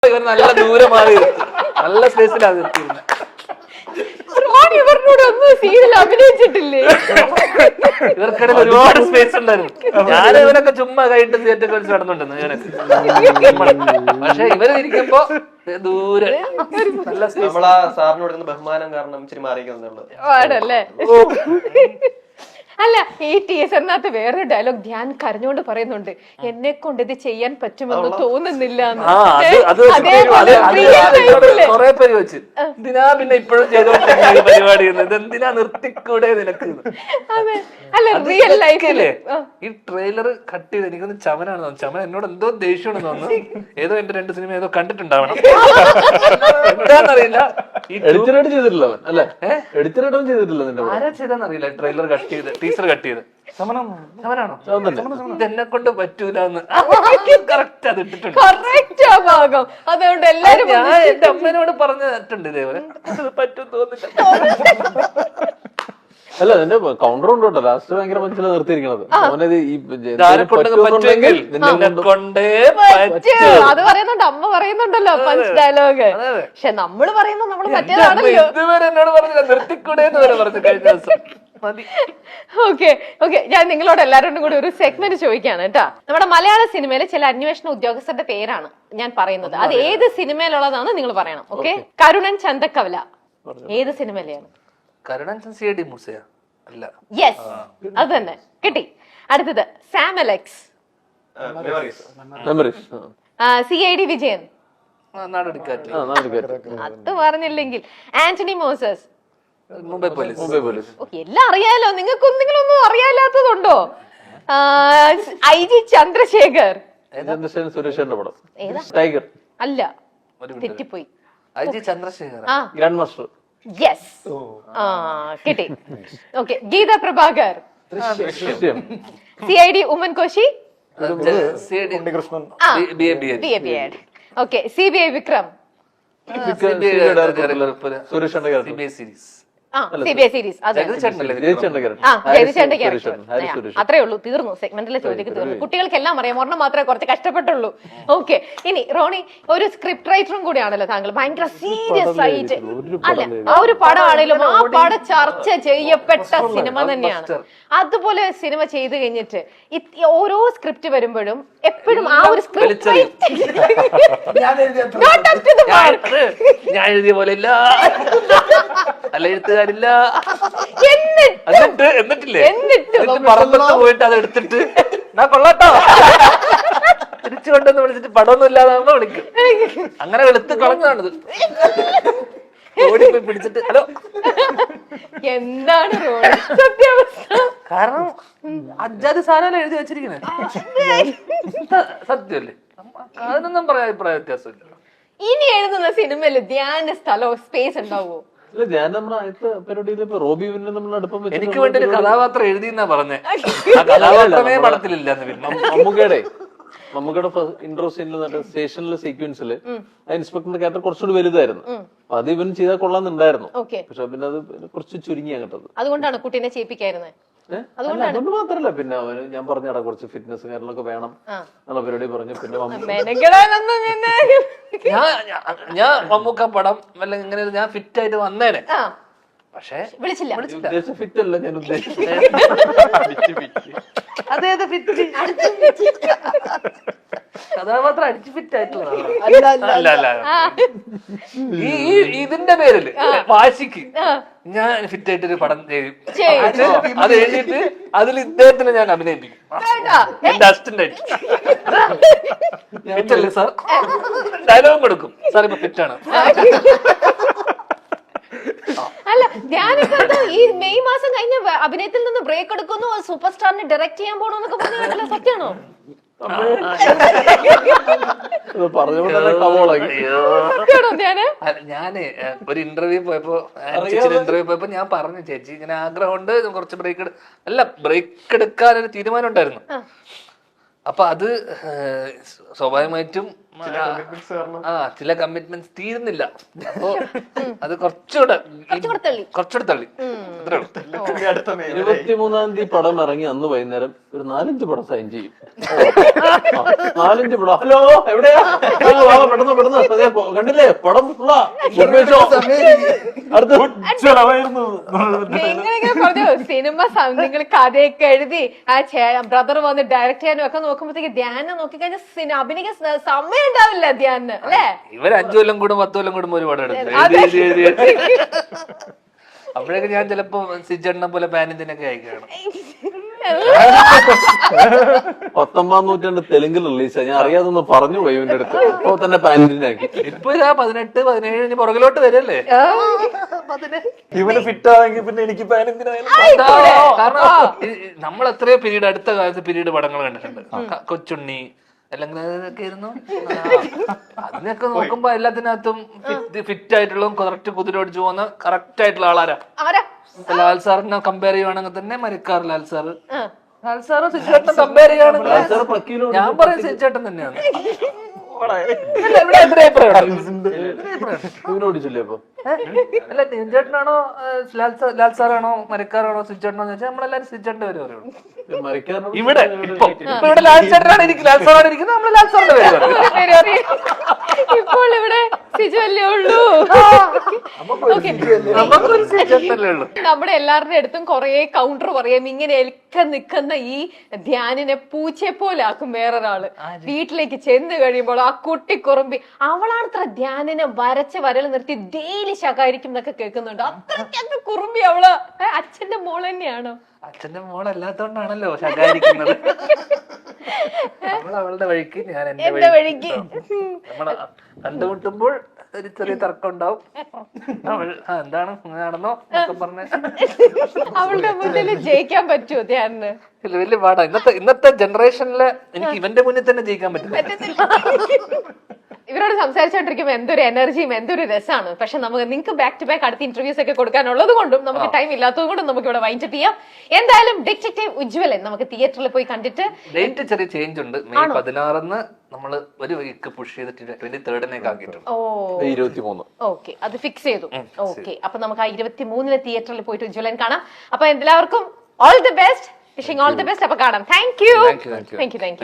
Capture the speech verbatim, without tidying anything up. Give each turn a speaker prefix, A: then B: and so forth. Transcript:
A: ഇവർ നല്ല ദൂരം മാറി നല്ല സ്പേസിലാണ് നിർത്തിയിരുന്നത്.
B: ഇവരോട് ഒന്നും സീരിയൽ അഭിനയിച്ചിട്ടില്ലേ?
A: ഇവർക്കിടയിൽ ഒരുപാട് സ്പേസ് ഉണ്ടായിരുന്നു. ഞാൻ ഇവരൊക്കെ ചുമ്മാ കൈയിട്ട് തിയേറ്റർ കളിച്ച് നടന്നുണ്ടെന്ന് ഇവനൊക്കെ. പക്ഷെ ഇവര് ഇരിക്കുമ്പോ ദൂരെ നല്ല
C: നമ്മളാ സാറിന് കൊടുക്കുന്ന ബഹുമാനം കാരണം ഇച്ചിരി മാറിയിരിക്കുന്നുള്ളു.
B: ആണല്ലേ? അല്ല, ഈ ടീച്ചറിനകത്ത് വേറൊരു ഡയലോഗ് ധ്യാൻ കരഞ്ഞോണ്ട് പറയുന്നുണ്ട്, എന്നെ കൊണ്ട് ഇത് ചെയ്യാൻ പറ്റുമെന്ന് തോന്നുന്നില്ല.
A: കൊറേ പേര് വെച്ച് എന്തിനാ പിന്നെ ഇപ്പോഴും ചെയ്തോണ്ടിരിക്കുന്ന പരിപാടി ഇതെന്തിനാ നിർത്തിക്കൂടെ നിനക്ക്?
B: അതെ, അല്ല റിയൽ ലൈഫില്
A: ഈ ട്രെയിലർ കട്ട് ചെയ്ത് എനിക്കൊന്ന് ചമനാണ് തോന്നുന്നു. ചമൻ എന്നോട് എന്തോ ദേഷ്യമാണെന്ന് തോന്നുന്നു. ഏതോ എന്റെ രണ്ട് സിനിമ ഏതോ കണ്ടിട്ടുണ്ടാവണം, എന്താന്നറിയില്ല.
D: എഡിറ്ററായിട്ട് ചെയ്തിട്ടില്ല അല്ലെ? എഡിറ്ററായിട്ടും ചെയ്തിട്ടില്ല.
A: ആരാ ചെയ്താന്നറിയില്ല ട്രെയിലർ കട്ട് ചെയ്ത് ടീച്ചർ കട്ട് ചെയ്ത്. സമനാണോ? ഇതെന്നെ കൊണ്ട് പറ്റൂലെന്ന് കറക്റ്റ് അത് ഇട്ടിട്ടുണ്ട്.
B: ഭാഗം അതുകൊണ്ട് എല്ലാരും
A: ഞാൻ എന്റെ അമ്മേനോട് പറഞ്ഞിട്ടുണ്ട് ഇതേപോലെ പറ്റും തോന്നില്ല.
D: അല്ല, അതിന്റെ കൗണ്ടർ ഉണ്ട് കേട്ടോ. ലാസ്റ്റ് ഭയങ്കര മനസ്സിൽ നിർത്തിയിരിക്കണത്
B: അത് പറയുന്നുണ്ട്, അമ്മ പറയുന്നുണ്ടല്ലോ പഞ്ച് ഡയലോഗ്. പക്ഷെ നമ്മള് പറയുമ്പോ നമ്മള് പറ്റിയതാണല്ലോ.
A: ഇതുവരെ എന്നോട് പറഞ്ഞില്ല നിർത്തിക്കൂടെ എന്ന് വരെ പറഞ്ഞു കഴിഞ്ഞ ദിവസം.
B: ഓക്കെ ഓക്കെ ഞാൻ നിങ്ങളോട് എല്ലാവരോടും കൂടി ഒരു സെഗ്മെന്റ് ചോദിക്കാണ് കേട്ടാ. നമ്മുടെ മലയാള സിനിമയിലെ ചില അന്വേഷണ ഉദ്യോഗസ്ഥരുടെ പേരാണ് ഞാൻ പറയുന്നത്. അത് ഏത് സിനിമയിലുള്ളതാണ് നിങ്ങൾ പറയണം. ഓക്കെ? കരുണൻ ചന്തക്കവല ഏത് സിനിമയിലെയാണ്?
A: കരുണൻ സി ഐ ഡി മൂസയ അല്ല?
B: യെസ്, അത് തന്നെ കിട്ടി. അടുത്തത് Sam Alex, C I D Vijayan, അത് പറഞ്ഞില്ലെങ്കിൽ Antony Moses,
A: Mumbai police.
D: Mumbai police.
B: എല്ലാം അറിയാലോ. നിങ്ങൾക്ക് എന്തെങ്കിലുമൊന്നും അറിയാത്തതുണ്ടോ? ഐ ജി ചന്ദ്രശേഖർ,
D: സുരേഷന്റെ പടം ടൈഗർ
B: അല്ല, തെറ്റിപ്പോയി.
A: I G Chandrashekhar,
D: Grandmaster.
B: Yes, ആ കിട്ടി. Okay, Geetha Prabhakar, C I D Oommen Koshy, okay, C B I Vikram,
A: Suresh series.
B: C B I series അത്രേ ഉള്ളൂ, തീർന്നു. സെഗ്മെന്റിലെ ചോദ്യം തീർന്നു. കുട്ടികൾക്കെല്ലാം അറിയാം, ഒരെണ്ണം മാത്രമേ കുറച്ച് കഷ്ടപ്പെട്ടുള്ളൂ. ഓക്കെ, ഇനി റോണി ഒരു സ്ക്രിപ്റ്റ് റൈറ്ററും കൂടിയാണല്ലോ താങ്കൾ. ഭയങ്കര സീരിയസ് ആയിട്ട് അല്ല, ആ ഒരു പടമാണെങ്കിലും ആ പടം ചർച്ച ചെയ്യപ്പെട്ട സിനിമ തന്നെയാണ്. അതുപോലെ സിനിമ ചെയ്തു കഴിഞ്ഞിട്ട് ഓരോ സ്ക്രിപ്റ്റ് വരുമ്പോഴും എപ്പോഴും ആ ഒരു സ്ക്രിപ്റ്റ്
A: ഞാൻ എഴുതിയ പോലെ ഇല്ല, അല്ല എഴുത്തുകാരില്ല. എന്നിട്ട് എന്നിട്ടില്ലേ പറമ്പത്ത് പോയിട്ട് അത് എടുത്തിട്ട് ഞാൻ കൊള്ളാട്ടോ തിരിച്ചു കൊണ്ടെന്ന് വിളിച്ചിട്ട് പടമൊന്നും ഇല്ലാതാകുമ്പോ വിളിക്കും. അങ്ങനെ വെളുത്ത് കളഞ്ഞതാണിത്. ഓടിപ്പോയി പിടിച്ചിട്ട് ഹലോ
B: എന്താണ് സത്യാവസ്ഥ?
A: കാരണം അജാതി സാധനം എഴുതി വെച്ചിരിക്കുന്നത് സത്യമല്ലേ? അതിനൊന്നും പറയാൻ അഭിപ്രായ വ്യത്യാസമില്ല.
B: ഇനി എഴുതുന്ന സിനിമയിൽ ധ്യാന സ്ഥലവും സ്പേസ് ഉണ്ടാവോ?
A: എനിക്ക് വേണ്ടി ഒരു കഥാപാത്രം എഴുതിയെന്നാ പറഞ്ഞേ. ആ കഥാപാത്രമേ പടത്തിലില്ല.
D: മമ്മൂക്കയുടെ മമ്മൂക്കയുടെ ഇൻട്രോ സീനിൽ സ്റ്റേഷനിലെ സീക്വൻസിൽ ആ ഇൻസ്പെക്ടറിന്റെ ക്യാരക്ടർ കുറച്ചുകൂടി വലുതായിരുന്നു. അപ്പൊ അത് ഇവൻ ചെയ്താൽ കൊള്ളാന്നുണ്ടായിരുന്നു. പക്ഷെ പിന്നെ അത് കുറച്ച് ചുരുങ്ങിയാ കേട്ടത്.
B: അതുകൊണ്ടാണ് കുട്ടീനെ ചെയ്യിപ്പിക്കായിരുന്നത്.
D: അതുകൊണ്ട് മാത്രല്ല, പിന്നെ അവന് ഞാൻ പറഞ്ഞടാ കുറച്ച് ഫിറ്റ്നസ് കാര്യങ്ങളൊക്കെ വേണം എന്നുള്ള പരിപാടി പറഞ്ഞു. പിന്നെ
A: ഞാൻ മമ്മൂക്ക പടം വല്ല ഇങ്ങനെ ഞാൻ ഫിറ്റ് ആയിട്ട് വന്നേനെ. പക്ഷേ
B: വിളിച്ചില്ല.
D: ഉദ്ദേശിച്ച ഫിറ്റ് അല്ല ഞാൻ ഉദ്ദേശിച്ചത്.
A: അതേത് ഫിറ്റ് കഥാപാത്രം അടിച്ച് ഫിറ്റ് ആയിട്ടുള്ള ഈ ഇതിന്റെ പേരില് വാശിക്ക് ഞാൻ ഫിറ്റ് ആയിട്ടൊരു പടം ചെയ്യും. അത് എഴുതിയിട്ട് അതിൽ ഇദ്ദേഹത്തിന് ഞാൻ അഭിനയിപ്പിക്കും. എന്റെ അസിസ്റ്റന്റ് ആയിട്ട് ഫിറ്റല്ലേ സാർ, ഡയലോഗും കൊടുക്കും. സാർ ഇപ്പൊ ഫിറ്റാണ്.
B: അല്ല, ഞാനിപ്പോ ഈ മെയ് മാസം കഴിഞ്ഞ അഭിനയത്തിൽ നിന്ന് ബ്രേക്ക് എടുക്കുന്നു, സൂപ്പർ സ്റ്റാറിനെ ഡയറക്ട് ചെയ്യാൻ പോണോന്നൊക്കെ പറഞ്ഞ സത്യമാണോ?
A: ഞാന് ഒരു ഇന്റർവ്യൂ പോയപ്പോ ഇന്റർവ്യൂ പോയപ്പോ ഞാൻ പറഞ്ഞു, ചേച്ചി ഇങ്ങനെ ആഗ്രഹമുണ്ട് കുറച്ച് ബ്രേക്ക് അല്ല ബ്രേക്ക് എടുക്കാൻ ഒരു തീരുമാനം ഉണ്ടായിരുന്നു. അപ്പൊ അത് സ്വാഭാവികമായിട്ടും
C: ചില commitments കാരണം.
A: ആ ചില കമ്മിറ്റ്മെന്റ്സ് തീരുന്നില്ല. അപ്പോ അത് കുറച്ചുകൂടെ
B: കുറച്ചുകൂടെ തള്ളി.
A: കുറച്ചുകൂടെ തള്ളി അത്രേ ഉള്ളൂ.
C: ഇതിന്റെ അടുത്ത മേഖല.
D: ഇരുപത്തിമൂന്നാം തീയതി പടം ഇറങ്ങി അന്ന് വൈകുന്നേരം ഒരു നാലഞ്ച് പടം സൈൻ ചെയ്യും. ആ, നാലഞ്ച് പടം. ഹലോ എവിടെയാ? ആ, വാ, പെട്ടെന്ന് പെട്ടെന്ന് അതെ, പോ- കണ്ടില്ലേ പടം full ആ. അടുത്ത
C: ഉജ്ജ്വലമായിരുന്നു.
B: നിങ്ങളിങ്ങനെ പറഞ്ഞു സിനിമ നിങ്ങൾ കഥയൊക്കെ എഴുതി ആ ബ്രദർ വന്ന് ഡയറക്ട് ചെയ്യാനും ഒക്കെ നോക്കുമ്പോഴത്തേക്ക് ധ്യാനം നോക്കിക്കഴിഞ്ഞാൽ സിനിമ അഭിനയിക്കാൻ സ- സമയം ഉണ്ടാവില്ല ധ്യാനിന് അല്ലേ?
A: ഇവർ അഞ്ചു കൊല്ലം കൂടും പത്ത് കൊല്ലം കൂടും ഒരുപാട് എടുത്തു
B: അതെ.
A: എഴുതി എഴുതി എഴുതി അപ്പോഴേക്ക് ഞാൻ ചിലപ്പോ സിജണ്ണ പോലെ പാനിന്തിനൊക്കെ അയക്കുകയാണ്.
D: പത്തൊമ്പതാം നൂറ്റാണ്ട് തെലുങ്കിൽ റിലീസാ. ഞാൻ അറിയാതെ ഒന്ന് പറഞ്ഞു പോയി ഇവന്റെ അടുത്ത്. ഇപ്പൊ തന്നെ പാൻറ്റിനാക്കി.
A: ഇപ്പൊ ഇതാ പതിനെട്ട് പതിനേഴ് ഇനി പുറകിലോട്ട് വരല്ലേ.
C: ഇവന് ഫിറ്റ് ആണെങ്കിൽ പിന്നെ എനിക്ക് പാൻ എന്തിനായാലും
A: കാരണം ഈ- ഈ നമ്മൾ എത്രയോ പീരീഡ് അടുത്ത കാലത്ത് പീരീഡ് പടങ്ങൾ കണ്ടിട്ടുണ്ട്. ക- കൊച്ചുണ്ണി അല്ലെങ്കിൽ അതൊക്കെ ആയിരുന്നു. ആ, അതിനൊക്കെ നോക്കുമ്പോ എല്ലാത്തിനകത്തും ഫിറ്റ് ആയിട്ടുള്ളതും കറക്റ്റ് കുതിരോടിച്ചു പോകുന്ന കറക്റ്റ് ആയിട്ടുള്ള ആളാരാ.
B: ആരാ?
A: ഇപ്പൊ ലാൽ സാറിനെ കമ്പയർ ചെയ്യുവാണെങ്കിൽ തന്നെ മരിക്കാർ ലാൽ സാറ് ലാൽ സാറ് സിജേട്ടനെ കമ്പയർ ചെയ്യുകയാണെങ്കിൽ ഞാൻ പറയും സിജേട്ടൻ തന്നെയാണ്. അല്ല, ഇവിടെ എതിരെ അഭിപ്രായമുണ്ട്.
D: ഇവനോടിച്ചില്ലേ അപ്പൊ?
A: അല്ല സിജേട്ടനാണോ ലാൽ സാർ ലാൽ സാറാണോ മരിക്കാറാണോ സിജേട്ടനോ എന്ന് വെച്ചാൽ നമ്മളെല്ലാരും സിജേട്ടന്റെ പേര് പറയുള്ളൂ.
D: മരിക്കാരനോട്
A: ഇവിടെ ഇപ്പൊ ഇപ്പൊ ഇവിടെ ലാൽ ചേട്ടനാണ് ഇരിക്കുന്നത്, ലാൽ സാറാണ് ഇരിക്കുന്നത്, നമ്മൾ ലാൽ സാറിന്റെ പേര് പറയും.
B: പേര് അറിയാം. ഇപ്പോൾ ഇവിടെ സിജു അല്ലേ ഉള്ളൂ. Okay.
A: നമുക്കൊരു സിജേട്ടനല്ലേ ഉള്ളൂ.
B: നമ്മുടെ എല്ലാവരുടെ അടുത്തും കൊറേ കൗണ്ടർ പറയാം. ഇങ്ങനെ എൽക്ക നിൽക്കുന്ന ഈ ധ്യാനിനെ പൂച്ചയെ പോലെ ആക്കും വേറൊരാള്. വീട്ടിലേക്ക് ചെന്ന് കഴിയുമ്പോൾ ആ കുട്ടി കുറുമ്പി അവളാണത്ര ധ്യാനിനെ വരച്ച വരൽ നിർത്തി ഡെയിലി ശകാരിക്കും എന്നൊക്കെ കേൾക്കുന്നുണ്ട്. അത്രയ്ക്കൊക്കെ കുറുമ്പി അവള്. ഏ, അച്ഛന്റെ മോൾ തന്നെയാണോ?
A: അച്ഛന്റെ മോളല്ലാത്തോണ്ടാണല്ലോ ശകാരിക്കുന്നത്. നമ്മൾ അവളുടെ വഴിക്ക് ഞാൻ എന്റെ
B: എന്റെ വഴിക്ക്.
A: നമ്മള് കണ്ടുമുട്ടുമ്പോൾ ഒരു ചെറിയ തർക്കം ഉണ്ടാവും. അവൾ ആ എന്താണ് ഇങ്ങനെ നടന്നോ എന്നൊക്കെ പറഞ്ഞ്
B: അവളുടെ മുന്നിൽ ജയിക്കാൻ പറ്റുമോ ധ്യാനിന്?
A: ഇല്ല, വലിയ പാടാ. ഇന്നത്തെ ഇന്നത്തെ ജനറേഷനില് എനിക്ക് ഇവന്റെ മുന്നിൽ തന്നെ ജയിക്കാൻ പറ്റില്ല.
B: ഇവരോട് സംസാരിച്ചോണ്ടിരിക്കുമ്പോ എന്തൊരു എനർജിയും എന്തൊരു രസമാണ്. പക്ഷെ നമുക്ക് നിങ്ങൾക്ക് ബാക്ക് ടു ബാക്ക് അടുത്ത ഇന്റർവ്യൂസ് ഒക്കെ കൊടുക്കാനുള്ളത് കൊണ്ടും നമുക്ക് ടൈം ഇല്ലാത്തത് കൊണ്ടും നമുക്ക് ഇവിടെ വൈൻഡപ്പ് ചെയ്യാം. എന്തായാലും ഡിറ്റക്റ്റീവ് ഉജ്ജ്വലൻ നമുക്ക് തിയേറ്ററിൽ പോയി കണ്ടിട്ട്
A: ഡേറ്റ് ചെറിയ ചേഞ്ച് ഉണ്ട്. മെയ് പതിനാറിന് നമ്മള് ഒരു വീക്ക് പുഷ് ചെയ്തിട്ട് ട്വന്റി തേർഡിനേക്ക് ആക്കിയിട്ടുണ്ട്.
B: ഓ
D: ഇരുപത്തി മൂന്ന്
B: ഓക്കെ, അത് ഫിക്സ് ചെയ്തു. ഓക്കെ, അപ്പൊ നമുക്ക് ആ ഇരുപത്തി മൂന്നിന് തിയേറ്ററിൽ പോയിട്ട് ഉജ്ജ്വലൻ കാണാം. അപ്പൊ എല്ലാവർക്കും all the best, wishing all the best. അപ്പൊ കാണാം. Thank you
A: thank you
B: thank you thank U